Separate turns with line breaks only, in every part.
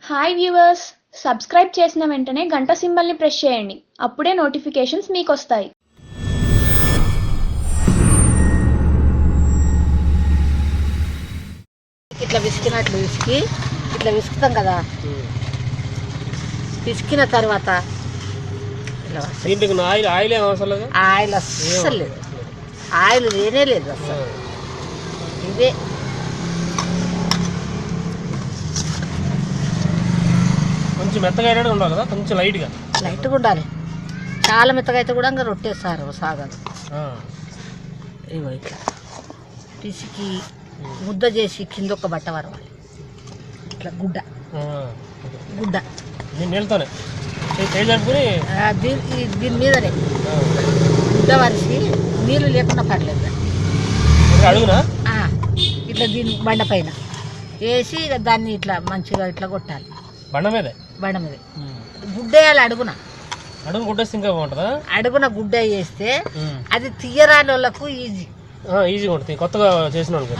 Hi viewers, subscribe చేసిన వెంటనే గంట సింబల్ని ప్రెస్ చేయండి. అప్పుడే నోటిఫికేషన్స్ మీకు వస్తాయి.
ఇట్లా విసికినట్లు విసికి ఇట్లా విసుకుతాం కదా. విసికిన తర్వాత ఆయిల్ అస్సలు లేదు, ఆయిల్ లేనే లేదు అసలు. ఇదే
కొంచెం మెత్తగా ఉండాలి కదా, కొంచెం లైట్గా
ఉండాలి. చాలా మెత్తగా అయితే కూడా ఇంకా రొట్టేస్తారు సాగదు. ఇగో ఇట్లా పిసికి ముద్ద చేసి కింద ఒక బట్ట వరవాలి. ఇట్లా గుడ్డ
నీళ్ళతోనే
దీని మీదనే గుడ్డ వరిసి నీళ్ళు లేకుండా పర్లేదు.
అడుగునా
ఇట్లా దీని బండ పైన వేసి దాన్ని ఇట్లా మంచిగా ఇట్లా కొట్టాలి.
బండ మీద
గుడ్డ వేయాలి. అడుగున
గుడ్డ ఇంకా బాగుంటుందా?
అడుగున గుడ్డ వేస్తే అది తీయరాని వాళ్ళకు
ఈజీగా ఉంటుంది. కొత్తగా చేసిన వాళ్ళకి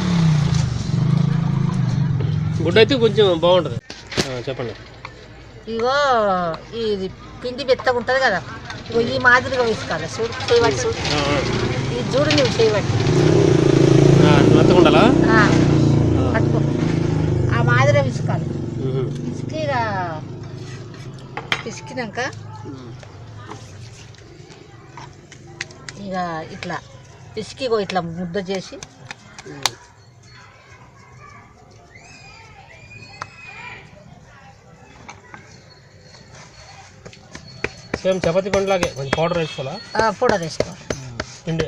గుడ్డ అయితే కొంచెం బాగుంటుంది. చెప్పండి.
ఇగో ఇది పిండి మెత్తగా ఉంటుంది కదా, ఇగో ఈ మాదిరిగా వేసుకోవాలి. చూడు చేయబట్టి, చూడు ఈ చూడు, నువ్వు చేయబట్టి
మెత్తగా ఉండాలా?
పట్టుకో, ఆ మాదిరిగా విసుకాలి. విసికి పిసికినాక ఇక ఇట్లా పిసికి ఇట్లా ముద్ద చేసి
సేమ్ చపాతీ పండులాగే కొంచెం పౌడర్ వేసుకోవాలా?
పౌడర్ వేసుకోవాలి.
పిండి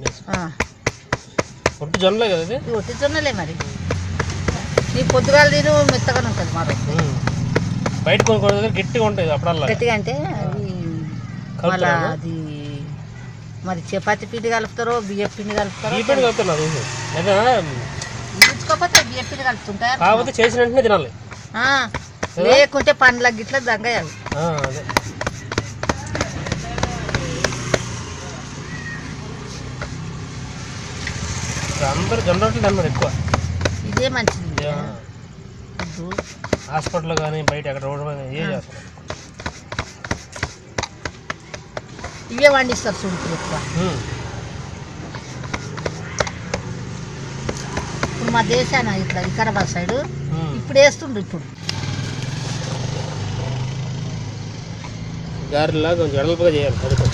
ఒట్టి జొన్నలే కదా ఇది?
ఒట్టి జొన్నలే మరి. నీ పొద్దుగాల తిను మెత్తగానే ఉంటుంది. మా
బయట కొన్ని దగ్గర గట్టిగా ఉంటుంది. అప్పుడల్లా
గట్టిగా అంటే మళ్ళీ అది మరి చపాతీ పిండి కలుపుతారో బియ్య పిండి కలుపుతారో.
ఈ పిండి కలుపుతున్నారు
ఉంచుకోకపోతే బియ్య పిండి కలుపుతుంటారు.
కాకపోతే చేసిన వెంటనే తినాలి,
లేకుంటే పండ్ల గిట్ల దగ్గయాలి.
అదే అందరూ జొన్న రొట్టెలు తిన్నారు ఎక్కువ.
ఇదే మంచిది.
హాస్పిటల్ కానీ బయట ఎక్కడ రోడ్డు మీద ఏ చేస్తారు,
ఇవే వండిస్తారు. చూడు ఎక్కువ ఇప్పుడు మా దేశాన ఇట్లా వికారాబాద్ సైడు ఇప్పుడు వేస్తుండ్రు. ఇప్పుడు
గారెలా కొంచెం వెడల్పుగా చేయాలి. పడుకో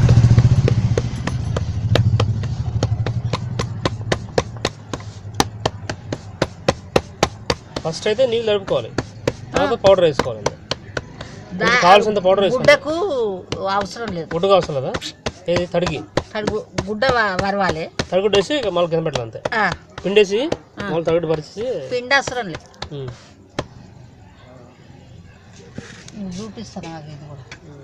ఫస్ట్ అయితే నీళ్ళు తడుపుకోవాలి, తర్వాత పౌడర్ వేసుకోవాలి. కావాల్సినంత పౌడర్ వేసుకోవాలి.
గుడ్డకు అవసరం లేదు,
గుడ్డకు అవసరం లేదా? ఏది తడిగి
గుడ్డ వరవాలి.
తడిగుడ్డ వేసి మళ్ళీ కింద పెట్టాలి అంతే. పిండేసి మళ్ళీ తడిగుడ్డ పరిచి
పిండి అవసరం లేదు. చూపిస్తాను అది కూడా.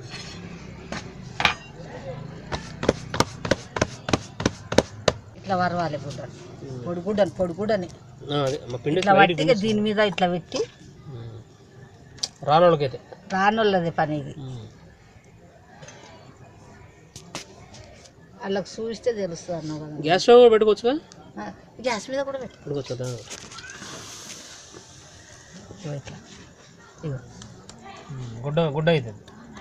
ఇట్లా వరవాలి గుడ్డ పొడిగుడ్డని ఇట్లా పట్టి దీని మీద ఇట్లా పెట్టి.
రానోళ్ళకైతే
రానోళ్ళది పని ఇది. వాళ్ళకి చూస్తే తెలుస్తుంది అన్నావు కదా.
గ్యాస్ స్టవ్ కూడా పెట్టుకోవచ్చుగా?
గ్యాస్ మీద కూడా పెట్టుకోవచ్చు. ఇట్లా ఇగో
గుడ్డ అవుతుంది.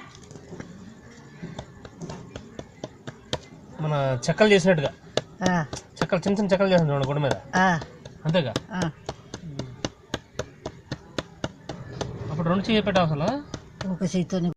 మన చెక్కలు చేసినట్టుగా చెక్కలు చిన్న చిన్న చెక్కలు చేసిన చూడండి గుడ్డ మీద, అంతేగా? అప్పుడు రెండు చేయి పెట్టాల్సిన
ఒక చేతితో